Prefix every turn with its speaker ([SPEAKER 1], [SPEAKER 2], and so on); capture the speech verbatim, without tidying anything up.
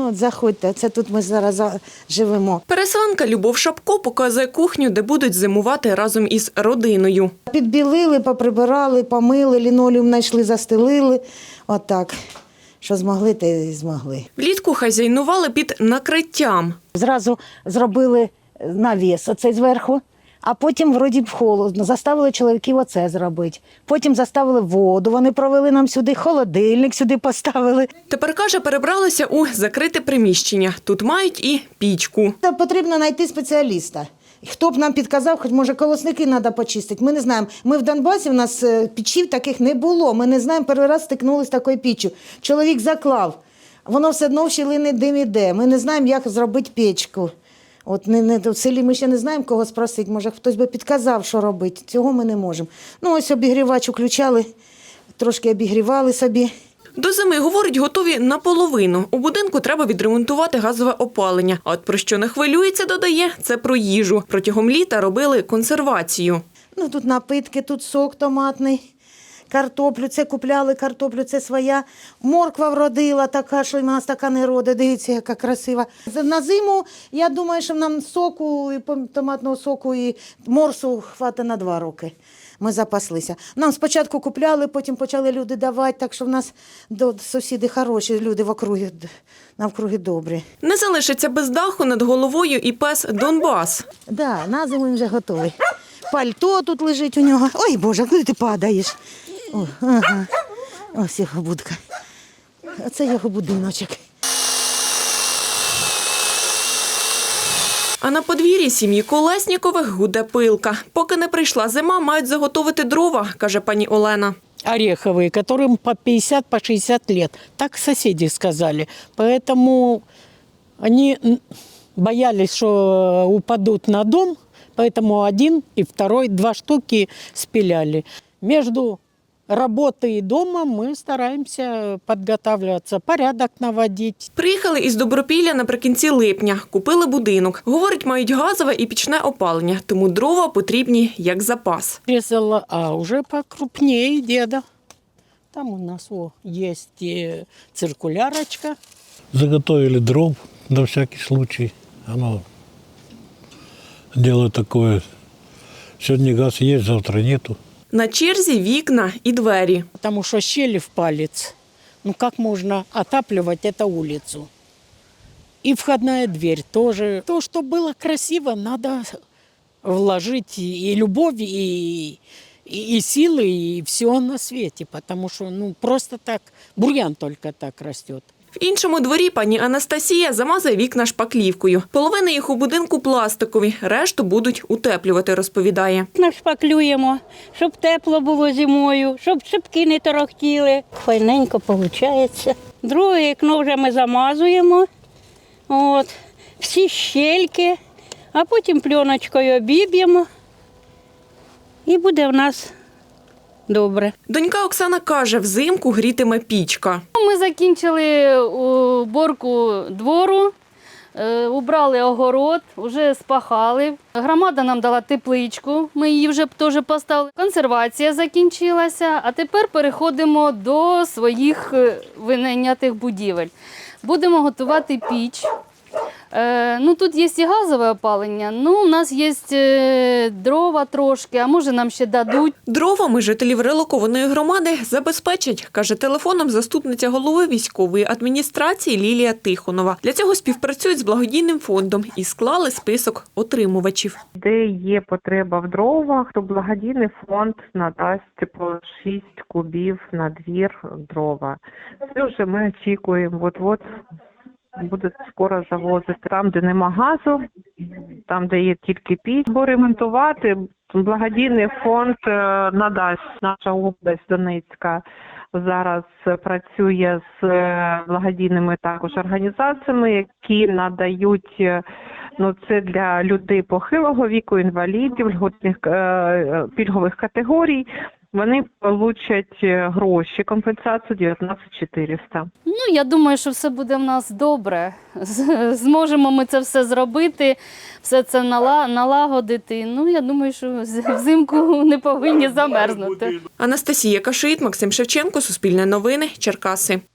[SPEAKER 1] Ну, от заходьте, це тут ми зараз живемо.
[SPEAKER 2] Переселенка Любов Шапко показує кухню, де будуть зимувати разом із родиною.
[SPEAKER 1] Підбілили, поприбирали, помили, лінолеум знайшли, застелили. Отак. Що змогли, те й змогли.
[SPEAKER 2] Влітку хазяйнували під накриттям.
[SPEAKER 1] Зразу зробили навіс оцей зверху, а потім вроді б холодно. Заставили чоловіків оце зробити. Потім заставили воду, вони провели нам сюди, холодильник сюди поставили.
[SPEAKER 2] Тепер, каже, перебралися у закрите приміщення. Тут мають і пічку.
[SPEAKER 1] Та потрібно знайти спеціаліста. Хто б нам підказав, хоч може колосники треба почистити. Ми не знаємо. Ми в Донбасі, у нас печів таких не було. Ми не знаємо, перший раз стикнулися з такою піччю. Чоловік заклав, воно все одно в щілини дим іде. Ми не знаємо, як зробити печку. От не, не, в селі ми ще не знаємо, кого спросити. Може, хтось би підказав, що робити. Цього ми не можемо. Ну, ось обігрівач включали, трошки обігрівали собі.
[SPEAKER 2] До зими, говорить, готові наполовину. У будинку треба відремонтувати газове опалення. А от про що не хвилюється, додає, це про їжу. Протягом літа робили консервацію.
[SPEAKER 1] Ну, тут напитки, тут сок томатний, картоплю, це купляли картоплю, це своя. Морква вродила така, що в нас така не роде, дивіться, яка красива. На зиму, я думаю, що нам соку, і томатного соку, і морсу хватить на два роки. Ми запаслися. Нам спочатку купляли, потім почали люди давати, так що в нас сусіди хороші, люди в округі, навкруги добрі.
[SPEAKER 2] Не залишиться без даху над головою і пес Донбас.
[SPEAKER 1] Так, да, на зиму він вже готовий. Пальто тут лежить у нього. Ой, Боже, куди ти падаєш? О, ага. Ось його будка. Оце його будиночок.
[SPEAKER 2] А на подвір'ї сім'ї Колеснікових гуде пилка. Поки не прийшла зима, мають заготовити дрова, каже пані Олена.
[SPEAKER 3] Ореховые, которым по пятьдесят, по шестьдесят лет. Так соседи сказали. Поэтому они боялись, что упадут на дом, поэтому один и второй, два штуки спиляли. Между работой и дома мы стараемся подготавливаться, порядок наводить.
[SPEAKER 2] Приїхали із Добропілля наприкінці липня. Купили будинок. Говорить, мають газове і пічне опалення, тому дрова потрібні як запас.
[SPEAKER 3] Резала, а уже покрупнее деда. Там у нас о, есть и циркулярочка.
[SPEAKER 4] Заготовили дров на всякий случай. Оно дело такое. Сегодня газ есть, завтра нету.
[SPEAKER 2] На черзі вікна і двері.
[SPEAKER 3] Потому что щели в палец. Ну как можно отапливать эту улицу? И входная дверь тоже. То, что было красиво, надо вложить и любовь, и, и, и силы, и все на свете. Потому что ну, просто так, бурьян только так растет.
[SPEAKER 2] В іншому дворі пані Анастасія замазує вікна шпаклівкою. Половина їх у будинку пластикові, решту будуть утеплювати, розповідає.
[SPEAKER 5] Нашпаклюємо, щоб тепло було зимою, щоб шибки не торохтіли. Файненько виходить. Друге вікно вже ми замазуємо, от, всі щельки, а потім пленочкою обіб'ємо і буде в нас добре.
[SPEAKER 2] Донька Оксана каже, взимку грітиме пічка.
[SPEAKER 6] Ми закінчили уборку двору, убрали огород, вже спахали. Громада нам дала тепличку, ми її вже теж поставили. Консервація закінчилася, а тепер переходимо до своїх винайнятих будівель. Будемо готувати піч. Ну, тут є і газове опалення, ну, у нас є дрова трошки, а може нам ще дадуть.
[SPEAKER 2] Дровами жителів релокованої громади забезпечать, каже телефоном заступниця голови військової адміністрації Лілія Тихонова. Для цього співпрацюють з благодійним фондом і склали список отримувачів.
[SPEAKER 7] Де є потреба в дровах, то благодійний фонд надасть по шість кубів на двір дрова. Це вже ми очікуємо, от-от будуть скоро завозити. Там, де нема газу, там, де є тільки піч, бо ремонтувати благодійний фонд надасть. Наша область Донецька зараз працює з благодійними також організаціями, які надають, ну, це для людей похилого віку, інвалідів, льготних пільгових категорій. Вони получать гроші, компенсацію дев'ятнадцять тисяч чотириста.
[SPEAKER 6] Ну, я думаю, що все буде в нас добре. Зможемо ми це все зробити, все це налагодити. Ну, я думаю, що взимку не повинні замерзнути.
[SPEAKER 2] Анастасія Кашит, Максим Шевченко, Суспільне новини, Черкаси.